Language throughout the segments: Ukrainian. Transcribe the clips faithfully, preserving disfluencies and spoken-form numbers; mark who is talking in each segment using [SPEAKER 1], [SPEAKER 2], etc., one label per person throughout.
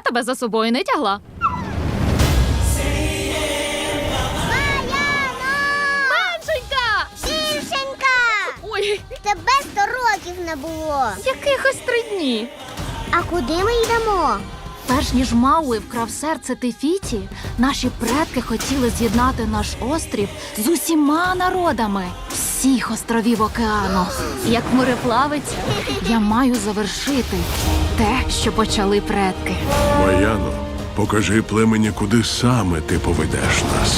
[SPEAKER 1] тебе за собою не тягла. Меншенька!
[SPEAKER 2] Дівчинка!
[SPEAKER 1] Ой,
[SPEAKER 2] Тебе сто років не було.
[SPEAKER 1] якихось три дні.
[SPEAKER 2] А куди ми йдемо?
[SPEAKER 1] Перш ніж Мауи вкрав серце Тефіті, наші предки хотіли з'єднати наш острів з усіма народами всіх островів океану. Як мореплавець, я маю завершити те, що почали предки.
[SPEAKER 3] Маяно, покажи племені, куди саме ти поведеш нас.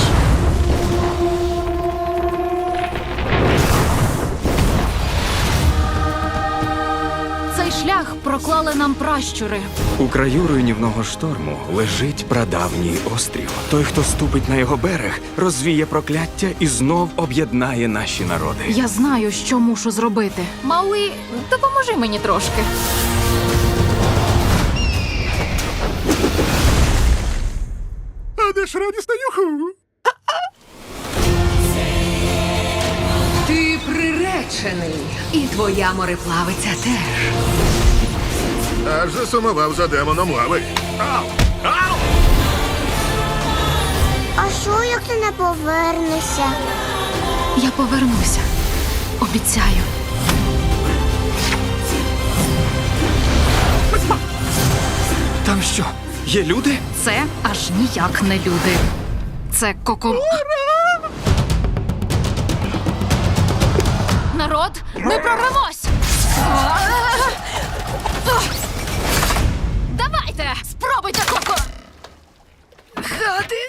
[SPEAKER 1] Цей шлях проклали нам пращури.
[SPEAKER 4] У краю руйнівного шторму лежить прадавній острів. Той, хто ступить на його берег, розвіє прокляття і знов об'єднає наші народи.
[SPEAKER 1] Я знаю, що мушу зробити. Мауи, допоможи мені трошки.
[SPEAKER 3] А де ж радісна юху?
[SPEAKER 5] Ти приречений, і твоя мореплавиця теж.
[SPEAKER 3] Аж засумував за демоном лави. Ау! Ау!
[SPEAKER 2] А що, як ти не повернешся?
[SPEAKER 1] Я повернуся. Обіцяю.
[SPEAKER 4] Там що, є люди?
[SPEAKER 1] Це аж ніяк не люди. Це коко... Народ, ми прорвемось! Давайте! Спробуйте, коко!
[SPEAKER 5] Хати?